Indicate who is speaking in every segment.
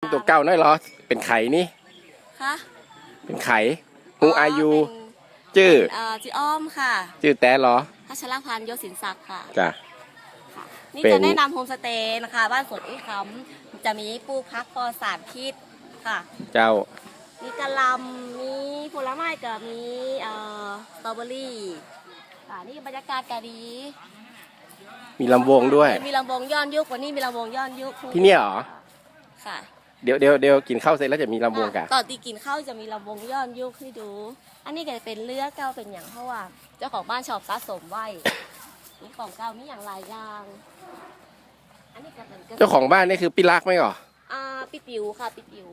Speaker 1: ตัวเก่าน้อยเหรอเป็นไข่นี่
Speaker 2: คะ
Speaker 1: เป็นไข่ฮูอายุชื่อ
Speaker 2: จีอ้อมค่ะ
Speaker 1: ชื่อแต่เหรอ
Speaker 2: พัชรพันธ์โยศินศักดิ์ค่ะ
Speaker 1: จ้ะ
Speaker 2: นี่จะแนะนำโฮมสเตย์นะคะบ้านสวนอุ้ยคำจะมีปลูกพักปลอดสารพิษค่ะ
Speaker 1: เจ้า
Speaker 2: มีกะหล่ำมีผลไม้กับมีสตรอเบอรี่นี่บรรยากาศก็ดี
Speaker 1: มีลำวงด้วย
Speaker 2: มีลำวงย้อนยุควันนี้มีลำวงย้อนยุค
Speaker 1: ที่นี่เหรอ
Speaker 2: ค่ะ
Speaker 1: เดี๋ยวกินข้าวเสร็จแล้วจะมีลำวงกัน
Speaker 2: ตอนตีกินข้าวจะมีลำวงย้อนยุคให้ดูอันนี้ก็จะเป็นเลือเก่าเป็นอย่างเพราะว่าเจ้าของบ้านชอบสะสมไว้มีของเก่ามีอย่างหลายอย่างอันนี้ก็เป็น
Speaker 1: เจ้าของบ้านนี่คือปิลักไหมก่อ
Speaker 2: ปิปิ๋วค่ะปิปิ๋ว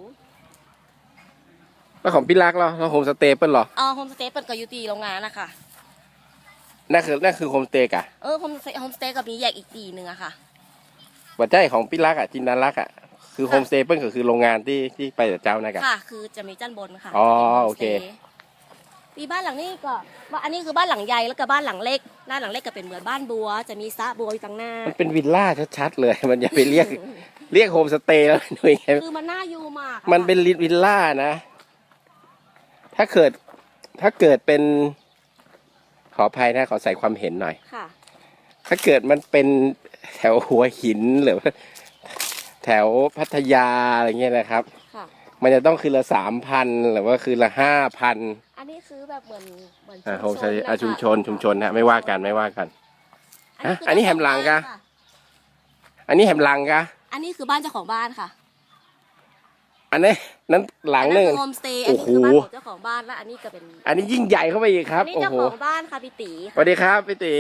Speaker 1: แล้วของปิลักเราโฮมสเตย์เป็นหรอ
Speaker 2: โฮมสเตย์เป็นก็อยู่ตีโรงงานนะคะ
Speaker 1: นั่นคือโฮมสเตย์กะ
Speaker 2: โฮมสเตย์กับมีแยกอีกตีหนึ่งอะค่ะ
Speaker 1: วัดใจของปิลักจินดารักคือโฮมสเตย์เป็นก็คือโรงงานที่ไปแต่เจ้านะกะ
Speaker 2: ค่ะคือจะมีชั้นบนค่ะ
Speaker 1: โอเค
Speaker 2: มีบ้านหลังนี้ก็ว่าอันนี้คือบ้านหลังใหญ่แล้วก็บ้านหลังเล็กด้านหลังเล็กก็เป็นเหมือนบ้านบัวจะมีสระบัวอยู่ตรงหน้า
Speaker 1: มันเป็นวิลล่าชัดๆเลยมันอย่าไปเรียกโฮมสเตย์แล้วหน่อย
Speaker 2: คือมันน่าอยู่มาก
Speaker 1: มันเป็นวิลล่านะถ้าเกิดเป็นขออภัยนะขอใส่ความเห็นหน่อย
Speaker 2: ค่ะ
Speaker 1: ถ้าเกิดมันเป็นแถวหัวหินหรือแถวพัทยาอะไรเงี้ยนะครับมันจะต้องคืนละ3,000หรือว่าคืนละ5,000
Speaker 2: อันนี้คือแบบเหมือน
Speaker 1: โฮมสเตย์ชุมชนฮะไม่ว่ากันอันนี้แฮมลังกะอันนี้แฮมลังกะ
Speaker 2: อันนี้คือบ้านเจ้าของบ้านค่ะ
Speaker 1: อันนี้นั้นหลังนึง
Speaker 2: โฮมสเตย์อันนี้คือบ้านของเจ้าของบ้านและอันนี้ก็เป็น
Speaker 1: อันนี้ยิ่งใหญ่เข้าไปอีกครับ
Speaker 2: นี่เจ้าของบ้านค่ะพี่ตี
Speaker 1: สวัสดีครับพี่ตี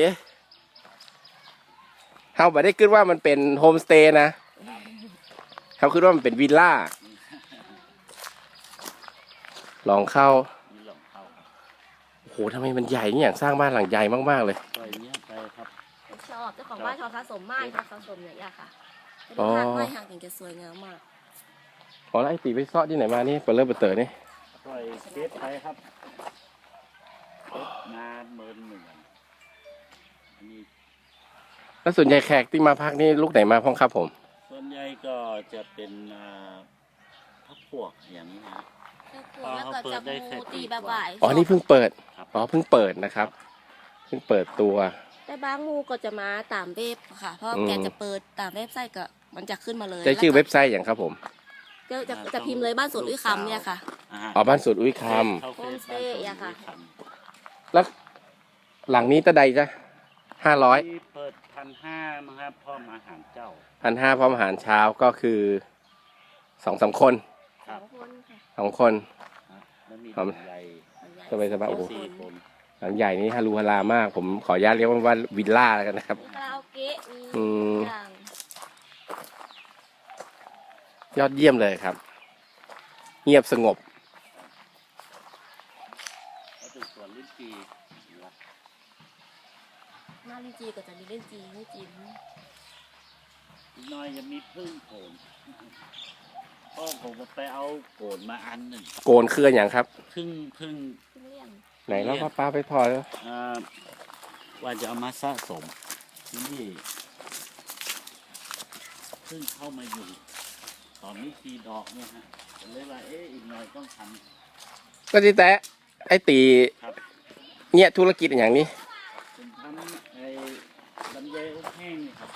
Speaker 1: เขาบอกได้คิดว่ามันเป็นโฮมสเตย์นะเขาคิดว่ามันเป็นวิลล่าลองเข้าโอ้โหทำไมมันใหญ่นี่อย่างสร้างบ้านหลังใหญ่มากๆเลย
Speaker 2: ชอบเจ้าของบ้านชอบสะสมไม้ชอบสะสมอย่างเงี้ยค่ะไม้ห่างถึงจะสวยงามมาก
Speaker 1: แล้วไอ้ตีไปซ่อที่ไหนมานี่เปิดเต๋อนี่
Speaker 3: ปล่อยเก็บไปครับงานเมินเหมือน
Speaker 1: แล้วส่วนใหญ่แขกที่มาพักนี่ลูกไหนมาพ้องครับผม
Speaker 3: ส่วนใหญ่ก็จะเป็นพักพวกอย่างนี้นะ
Speaker 2: แล้วก็จะมูตีแบบบ่าย
Speaker 1: นี่เพิ่งเปิดเพิ่งเปิดนะครับเพิ่งเปิดตัว
Speaker 2: แต่บางงูก็จะมาตามเว็บค่ะเพราะแกจะเปิดตามเว็บไซต์ก็มันจะขึ้นมาเลย
Speaker 1: จะชื่อเว็บไซต์อย่างครับผม
Speaker 2: จะพิมพ์เลยบ้านสวนอุ้ยคำเนี่ยค่ะ
Speaker 1: บ้านสวนอุ้ยค
Speaker 2: ำโฮมสเตย์อะค่ะ
Speaker 1: แล้วหลังนี้ตะใดจ้ะ500
Speaker 3: เปิด1,500มั้งครับพร้อมอาหารเจ้า
Speaker 1: 1,500พร้อมอาหารเช้าก็คือ2-3 คน2 คนสบายโอ้โหหลังใหญ่นี้ฮารูฮารามากผมขออนุญาตเรียกว่าวิลล่าแล้วกันนะครับยอดเยี่ยมเลยครับเงียบสงบ
Speaker 3: สวนลิ้นจี
Speaker 2: หน้าลิ้นจีก็จะมีลิ้นจีไม่จิ้ม
Speaker 3: น้อยจะมีพึ่งโขนพ่อผมก็ไปเอาโกนมาอันหนึ่ง
Speaker 1: โกนคืออย่างครับ
Speaker 3: พึ่ง
Speaker 1: ไหนแล้วป้าไปถอดแล้ว
Speaker 3: ว่าจะเอามาสะสมนี่พึ่งเข้ามาอยู่ตอนนี้ตีดอกเนี่ยฮะเลยว่าอีกหน่อยต้องทำ
Speaker 1: ก็ที่แต่ไอ้ตีเนี่ยธุรกิจอย่างนี้
Speaker 3: ผมทำไอ้ลำไยอบแห้งครับ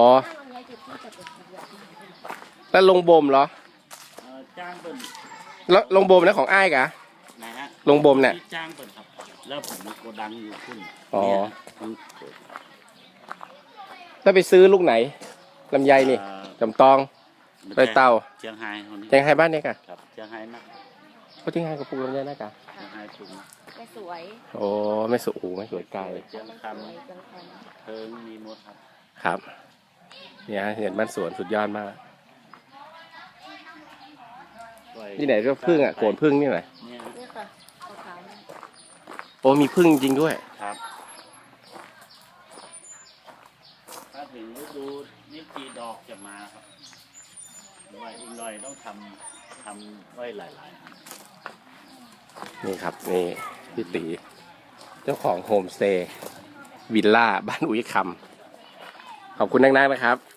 Speaker 1: แล้วลงบ่มเหรอ
Speaker 3: จ้างเปิด
Speaker 1: แล้วลงบ่มนะของอ้ายกะ
Speaker 3: ไหนฮะ
Speaker 1: ลงบ่มเนี่ย
Speaker 3: จ้างเปิดครับแล้วผมมีโกดังอยู่ขึ้น
Speaker 1: แล้วไปซื้อลูกไหนลำไยนี่จำตองไปเตา
Speaker 3: เชียงไฮ้
Speaker 1: บ้านนี้กะ
Speaker 3: ครับเชียงไฮ้นะ
Speaker 1: เขาเชียงไฮ้กับปูลำไยนะกะ
Speaker 3: เชียงไฮ้ปู
Speaker 2: ไม่สวย
Speaker 1: ไม่สวยไม่สวยไกล
Speaker 3: เชียงคำเพิงมีหมด
Speaker 1: ครับเนี่ยเห็นบ้านสวนสุดยอดมากนี่ไหนก็พึ่งโกนพึ่งนี่ไหน
Speaker 2: นี่ค่ะ
Speaker 1: มีพึ่งจริงด้วย
Speaker 3: ครับถ้าถึงฤดูนี่จีดอกจะมาครับไว้อีกหน่อยต้องทำไว้หลาย
Speaker 1: ๆนี่ครับนี่พี่ตีเจ้าของโฮมสเตย์วิลล่าบ้านอุ้ยคำขอบคุณนักๆนะครับ